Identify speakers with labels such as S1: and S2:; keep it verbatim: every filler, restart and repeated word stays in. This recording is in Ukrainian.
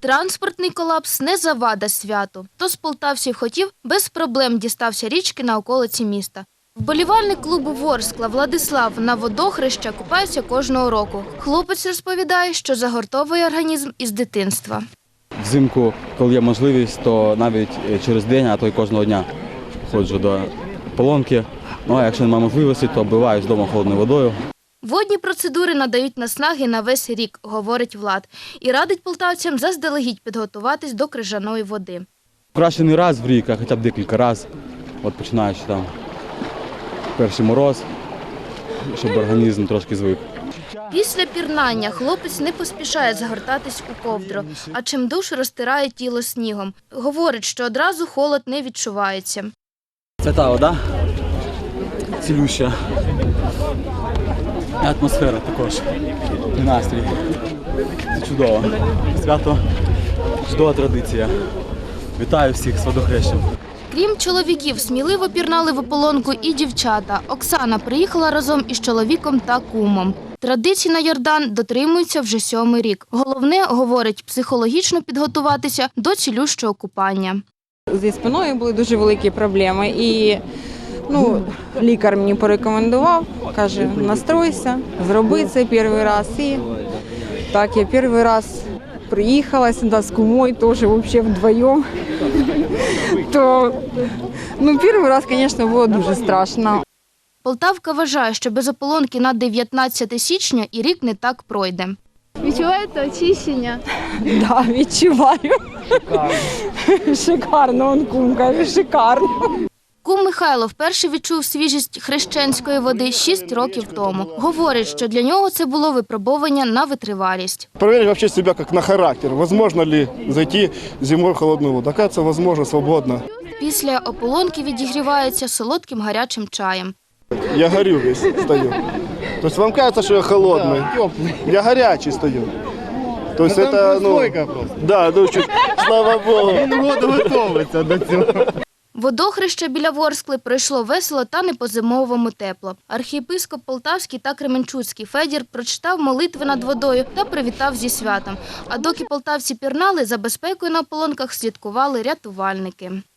S1: Транспортний колапс не завада святу. Хто з полтавців хотів, без проблем дістався річки на околиці міста. Вболівальник клубу Ворскла Владислав на водохреща купається кожного року. Хлопець розповідає, що загортовує організм із дитинства.
S2: Взимку, коли є можливість, то навіть через день, а то й кожного дня ходжу до ополонки. Ну а якщо немає можливості, то оббиваюсь вдома холодною водою.
S1: Водні процедури надають наснаги на весь рік, говорить Влад. І радить полтавцям заздалегідь підготуватись до крижаної води.
S2: Краще не раз в рік, а хоча б декілька разів, от починаючи там перший мороз, щоб організм трошки звик.
S1: Після пірнання хлопець не поспішає загортатись у ковдру, а чимдуж розтирає тіло снігом. Говорить, що одразу холод не відчувається.
S2: Це та вода цілюща. І атмосфера також, і настрій. Це чудово. Свято, чудова традиція. Вітаю всіх з водохрещем.
S1: Крім чоловіків, сміливо пірнали в ополонку і дівчата. Оксана приїхала разом із чоловіком та кумом. Традицій на Йордан дотримуються вже сьомий рік. Головне, говорить, психологічно підготуватися до цілющого купання.
S3: Зі спиною були дуже великі проблеми і ну, лікар мені порекомендував, каже, настройся, зроби це перший раз. І так, я перший раз приїхала сюди з кумою, теж взагалі вдвоєм. То, ну, перший раз, звісно, було дуже страшно.
S1: Полтавка вважає, що без ополонки на дев'ятнадцяте січня і рік не так пройде.
S4: Відчуваєте очищення?
S3: Так, да, відчуваю. Шикарно. Шикарно, он кум каже, шикарно.
S1: Кум Михайло вперше відчув свіжість хрещенської води шість років тому. Говорить, що для нього це було випробування на витривалість.
S5: Проверить вообще себя как на характер. Возможно ли зайти зимой в холодную воду? Оказывается, возможно, свободно.
S1: Після ополонки відігрівається солодким гарячим чаем.
S5: Я горю весь, стою. То есть вам кажется, что я холодный? Я горячий стою. То есть это, ну, да, ну, чуть, слава Богу. Він воду готовиться до цього.
S1: Водохреще біля Ворскли пройшло весело та не по-зимовому тепло. Архієпископ Полтавський та Кременчуцький Федір прочитав молитви над водою та привітав зі святом. А доки полтавці пірнали, за безпекою на ополонках слідкували рятувальники.